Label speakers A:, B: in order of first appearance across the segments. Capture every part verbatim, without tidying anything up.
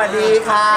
A: สดีค่ะ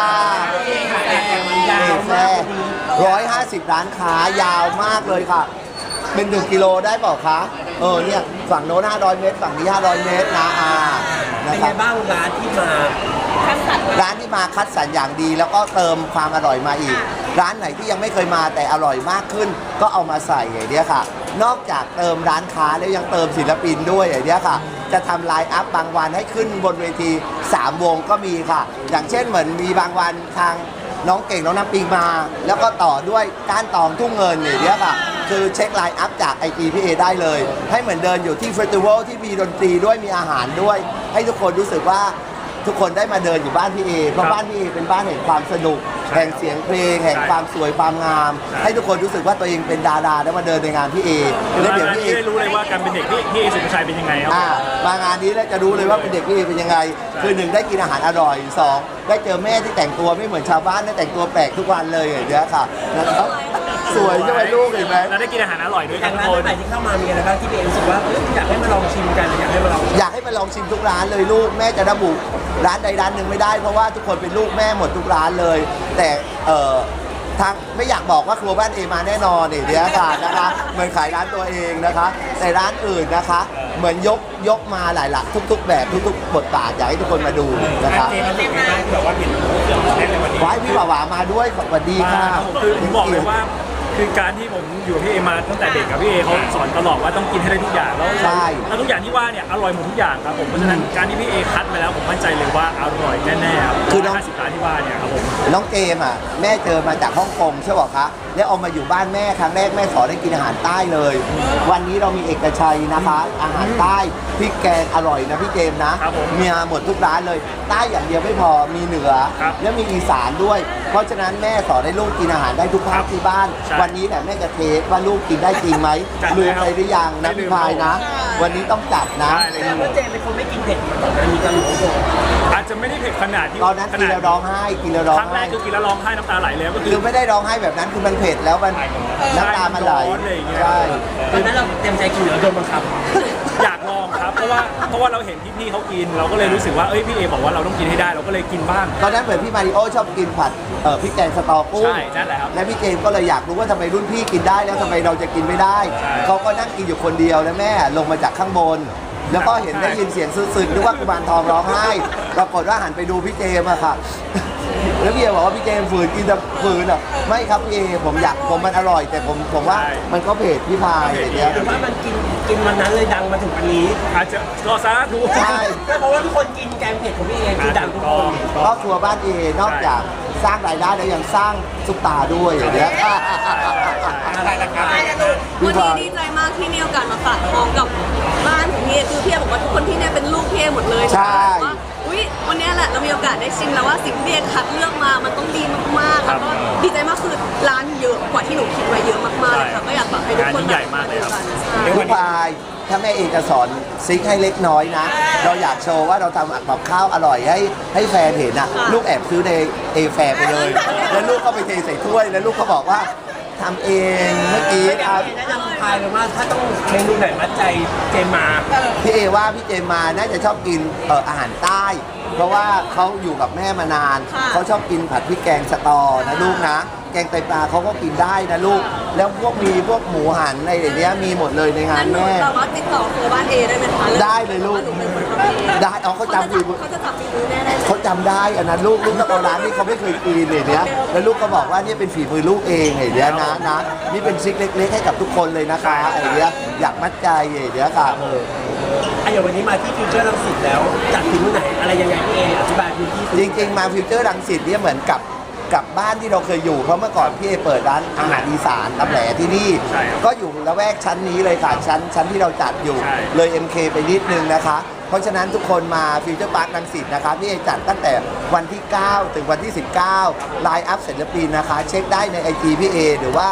A: ยาวมากร้อยห้าสิบร้านค้ายาวมากเลยค่ะเป็นหนึ่งกิโลได้เปล่าคะเออเนี่ยฝั่งโน้นห้าร้อยเมตรฝั่งนี้ห้าร้อยเมตรนะอ่า
B: เป็นไงบ้างร้านที่มา
A: ร้านที่มาคัดสรรอย่างดีแล้วก็เติมความอร่อยมาอีกร้านไหนที่ยังไม่เคยมาแต่อร่อยมากขึ้นก็เอามาใส่อย่างนี้ค่ะนอกจากเติมร้านค้าแล้วยังเติมศิลปินด้วยอย่างนี้ค่ะจะทำไลน์อัพบางวันให้ขึ้นบนเวทีสามวงก็มีค่ะอย่างเช่นเหมือนมีบางวันทางน้องเก่งน้องน้ำปิงมาแล้วก็ต่อด้วยก้านตองทุ่งเงินอย่างนี้ค่ะคือเช็คไลน์อัพจากไอจีพี่เอได้เลยให้เหมือนเดินอยู่ที่เฟสติวัลที่มีดนตรีด้วยมีอาหารด้วยให้ทุกคนรู้สึกว่าทุกคนได้มาเดินอยู่บ้านพี่เอเพราะบ้านพี่เอเป็นบ้านแห่งความสนุกแห่งเสียงเพลงแห่งความสวยความงามให้ทุกคนรู้สึกว่าตัวเองเป็นดาราได้มาเดินในงานพี่เอ
C: แล้วเดี๋ยวพี่เอได้รู้เลยว่าการเป็นเด็กพี่พี่เอสุภาชัยเป็นยังไงครับ
A: มางานนี้แล้วจะรู้เลยว่าเป็นเด็กพี่เอเป็นยังไงคือหนึ่งได้กินอาหารอร่อยสองได้เจอแม่ที่แต่งตัวไม่เหมือนชาวบ้านได้แต่งตัวแปลกทุกวันเลยอย่างเงี้ยค่ะนะครับสวยใช่ไหมลูกเห็นไหม
C: แล้วได้กินอาหารอร่อยด้วย
B: กันทุกคนใหม่ที่เข้ามามีอะไรบ้างที่พี่เอรู้สึกว่าอยากให้มาลองชิมกันอยากให้มาลอง
A: อยากให้มาลองชิมทุกร้านเลยลูกแม่จะระบุร้านใดร้านหนึ่งไม่ได้เพราะว่าทุกคนเป็นลูกแม่หมดทุกร้านเลยแต่เอ่อทางไม่อยากบอกว่าครัวบ้านเอมาแน่นอนเนี่ยเดี๋ยวค่ะนะคะเหมือนขายร้านตัวเองนะคะแต่ร้านอื่นนะคะเหมือนยกยกมาหลายหลักทุกๆแบบทุกๆบทบาทอยากให้ทุกคนมาดูนะคะ
C: เจมันเป็นไงบ้างแบบว่าเห็นเรื่องเล่นในวันนี้
A: ว้ายพี่หวามาด้วยสวัสดีค่ะ
C: คือผมบอกเลยว่าคือการที่ผมอยู่พี่เอมาตั้งแต่เด็กกับพี่เอเขาสอนตลอดว่าต้องกินให้ได้ทุกอย่างแล้วแล้วทุกอย่างที่ว่าเนี่ยอร่อยหมดทุกอย่างครับผมเพราะฉะนั้นการที่พี่เอคัดมาแล้วผมมั่นใจเลยว่าอร่อยแน่ๆครับคือห้าสิบร้านที่ว่าเนี่ยครับผม
A: น้องเกมอ่ะแม่เจอมาจากฮ่องกงใช่ป่ะคะแล้วเอามาอยู่บ้านแม่ครั้งแรกแม่สอนให้กินอาหารใต้เลยวันนี้เรามีเอกชัยนะคะอาหารใต้พริกแกงอร่อยนะพี่เกมนะมีหมดทุกร้านเลยใต้อย่างเดียวไม่พอมีเหนือแล้วมีอีสานด้วยเพราะฉะนั้นแม่สอนให้ลูกกินอาหารได้ทุกภาคที่บ้านวันนี้แหละแม่จะเทสว่าลูกกินได้จริงไหมลืมไปหรือยังนะพี่พายนะวันนี้ต้องจัดนะ
B: แล้วเจเป็นคนไม่กินเผ็ดมาก่อนนะมีการรู้ตัว
C: อาจจะไม่ได้เผ็ดขนาดที่
A: ตอนนั้นกินแล้วร้องไห้กินแล้วร้องไห้ครั้ง
C: แรกคือกินแล้วร้องไห้น้ำตาไหลเลยก็
A: คือไม่ได้ร้องไห้แบบนั้นคือมันเผ็ดแล้วมันน้ำตามันไหลใช่
B: ตอนนั้นเราเต็มใจกินหรือโดนบังคับ
C: อยากลองครับเพราะว่าเพราะว่าเราเห็นพี่ๆเขากินเราก็เลยรู้สึกว่าเอ้ยพี่เอบอกว่าเราต้องกินให้ได้เราก็เลยกินบ้าง
A: ตอนนั้นเหมือนพี่มาริโอชอบกินผัดเอ่อพริกแกงสตอกุ้ง
C: ใช่นั่นแหละครับ
A: และพี่เจมก็เลยอยากรู้ว่าทำไมรุ่นพี่กินได้แล้วทำไมเราจะกินไม่ได้เขาก็นั่งกินอยู่คนเดียวนะแม่ลงมาจากข้างบนแล้วก็เห็นได้ยินเสียงซึ้งๆนึกว่ากุมารทองร้องไห้ปรากฏว่าหันไปดูพี่เจมอะค่ะแล้วพี่เอบอกว่าพี่เจมฝืนกินแต่ฝืนอ่ะไม่ครับพี่เอผมอยากผมมันอร่อยแต่ผมผมว่ามันก็เผ็ดพี่พายอย่างเงี้ย
B: แต่ว่ามันกินกินวันนั้นเลยดังมาถึงวันนี้
C: อาจจะรอซาทู
A: ใช่
B: เพราะว่าทุกคนกินแกงเผ็ดของพี่เอคือดังทุกคน
A: ครอบครัวบ้านเอนอกจากสร้างรายได้แล้วยังสร้างซุปตาด้วยอย่างเงี้ย
D: อะไรนะครับวันนี้ดีใจมากที่มีโอกาสมาฝากท้องกับบ้านของพี่เอคือพี่เอบอกว่าทุกคนที่เนี่ยเป็นลูกพี่เอหมดเลย
A: ใช่
D: ว่าอุ้ยวันนี้แหละเรามีโอกาสได้ชิมแล้วว่าสิ่งที่เอคัดเลือกมามันต้องดีมากๆแล้วก็ดีใจมากคือร้านเยอะกว่าที่หนูคิดไว้เยอะมากๆเลยค่ะก็อยากฝากให้ทุกคน
C: ใหญ่มากเลยครับ
A: พี่พายถ้าแม่เอกจะสอนซิกให้เล็กน้อยนะเราอยากโชว์ว่าเราทำกับข้าวอร่อยให้ให้แฟนเห็นนะลูกแอบซื้อในเอแฟร์ไปเลยแล้วลูกก็ไปเทใส่ถ้วยแล้วลูกก็บอกว่าทำเองเมื่อกี้ครับ
B: แนะนำพายเลยว่าถ้าต้องเมนูไหนมัดใจเจมมา
A: พี่เอว่าพี่เจมมาน่าจะชอบกินเอ่ออาหารใต้เพราะว่าเขาอยู่กับแม่มานานเขาชอบกินผัดพริกแกงสตอนะลูกนะแกงไตปลาเขาก็กินได้นะลูกแล้วพวกมีพวกหมูหันในอย่างเงี้ยมีหมดเลยในงานแม่
D: เราว่าติดต่อครัวบ้านเอได้ไหมคะ
A: ได้เลยลูกได้เอาเขาจำฝีมือ
D: เขาจะจำฝีมือแน่เลย
A: เขาจำได้อันนั้นลูกลูกต้องเอาร้านที่เขาไม่เคยกินเลยเนี้ยแล้วลูกก็บอกว่านี่เป็นฝีมือลูกเองไอ้เนี้ยนะนะนี่เป็นซิกเล็กๆให้กับทุกคนเลยนะคะไอ้เนี้ยอยากมัดใจไอ้เนี้ยค่ะ
B: อ่ะอย่างวันนี้มาที่ฟิวเจอร์รังสิตแล้วจัดที่ไหนอะไรยังไงพี่เออธิบายพื้นที่
A: จริงๆมาฟิวเจอร์รังสิตเนี่ยเหมือนกับกับบ้านที่เราเคยอยู่เพราะเมื่อก่อนพี่เอเปิดร้านอาหารอีสานตำแหลที่นี่ก็อยู่ละแวกชั้นนี้เลยค่ะชั้นชั้นที่เราจัดอยู่เลย เอ็ม เค ไปนิดนึงนะคะเพราะฉะนั้นทุกคนมาฟิวเจอร์พาร์ครังสิตนะคะพี่เอจัดตั้งแต่วันที่เก้าถึงวันที่สิบเก้าไลน์อัพศิลปินนะคะเช็คได้ใน ไอ จี พี่เอหรือว่า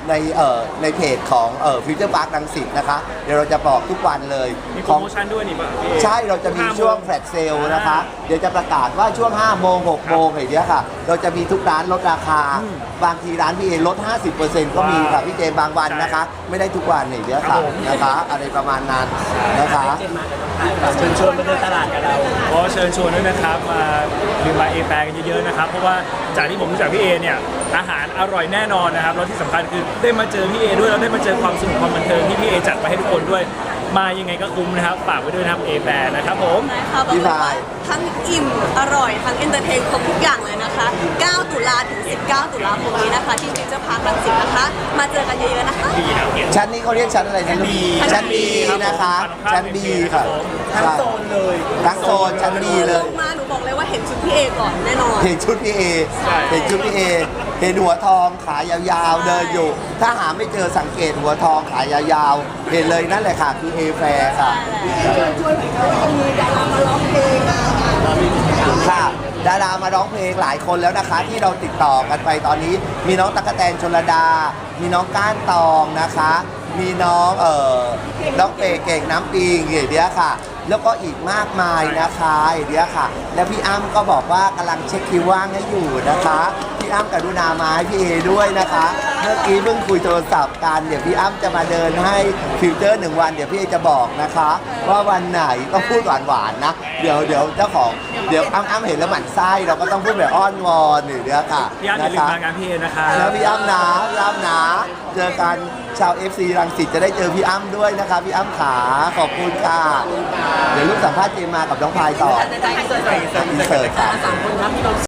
A: ในเอ่อในเพจของเอ่อฟิวเจอร์พาร์ครังสิตนะคะเดี๋ยวเราจะบอกทุกวันเลย
C: มีโป
A: ข
C: ร
A: อง
C: โมชั่นด้วยนี่ป่ะพี่เอ
A: ใช่เราจะมีช่วงแฟลชเซลนะคะ เดี๋ยวจะประกาศว่าช่วงห้าโมงหกโมงอย่างเงี้ยค่ะ เราจะมีทุกร้านลดราคา บางทีร้านพี่เอลด ห้าสิบเปอร์เซ็นต์ ก็มีค่ะพี่เจมส์บางวันนะคะ ไม่ได้ทุกวันอย่างเงี้ยค่ะนะคะ อะไรประมาณนั้นนะคะ
B: เจมมากับน้องพายแบบเชิญชวนมาเดินตลาดกับเรา
C: ก็เชิญชวนด้วยนะครับมาดื่มมาเอแปรกันเยอะๆนะครับเพราะว่าจากที่ผมรู้จักพี่เอเนี่ยอาหารอร่อยแน่นอนนะครับแล้วที่สำคัญคือได้มาเจอพี่เอด้วยแล้วได้มาเจอความสนุกความบันเทิงที่พี่เอจัดมาให้ทุกคนด้วยมายังไงก็คุ้มนะครับฝากไว้ด้วยนะครับเอแปรนะครับผม
D: ใช่ค่ะบอกเลยว่าทั้งอิ่มอร่อยทั้งเอนเตอร์เทนครบทุกอย่างเลยนะคะ เก้า ตุลาถึง สิบเก้า ตุลาคมนี้นะคะ ที่ฟิวเจอร์พาร์ครังสิตนะคะ มาเจอกันเยอะๆนะคะ
A: ชั้นนี้เขาเรียกชั้นอะไรนะลูกชั้น B นะคะ ชั้น B ค่ะ
B: ทั้งโซนเลย
A: ทั้งโซนชั้น B เลย
D: ลงมาหนูบอกเลยว่าเห็นชุดพี่เอก่อนแน่นอน
A: เห็นชุดพี่เอ เห็นชุดพี่เอ เห็นหัวทองขายาวๆเดินอยู่ ถ้าหาไม่เจอสังเกตหัวทองขายาวๆ เห็นเลยนั่นแหละค่ะคือเอแฟร์ค่ะค่ะ ดารามาร้องเพลงหลายคนแล้วนะคะ ที่เราติดต่อกันไปตอนนี้ มีน้องตั๊กแตนชลดา มีน้องก้านตองนะคะ มีน้องเอ่อน้องเปเก่งน้ำปิงอย่างเดียวค่ะ แล้วก็อีกมากมายนะคะอย่างเดียวค่ะ แล้วพี่อ้ำก็บอกว่ากำลังเช็คคิวว่างให้อยู่นะคะ พี่อ้ำกรุณามาให้พี่เอด้วยนะคะ เมื่อกี้เพิ่งคุยโทรศัพท์กัน เดี๋ยวพี่อ้ำจะมาเดินให้ฟิวเจอร์หนึ่งวัน เดี๋ยวพี่เอจะบอกนะคะ ว่าวันไหนต้องพูดหวานๆนะ เดี๋ยวเดี๋ยวเจ้าของ เดี๋ยวอ้ำอ้ำเห็นแล้วหมั่นไส้เราก็ต้องพูดแบบอ้อนวอนหรือเดี๋ยวค่ะ
C: พี่อ้ำอย่าลืมมางานพี่เอนะครับ
A: แล้วพี่อ้ำนะพี่อ้ำนะ เจอกันชาว เอฟ ซี รังสิตจะได้เจอพี่อ้ำด้วยนะคะ พี่อ้ำขาขอบคุณค่ะ เดี๋ยวลูกสัมภาษณ์เจมมากับน้องพายต่อ
B: จะได้อินเสิร์ต
A: อินเสิร์ตค่ะ
B: สามคนครับมีความ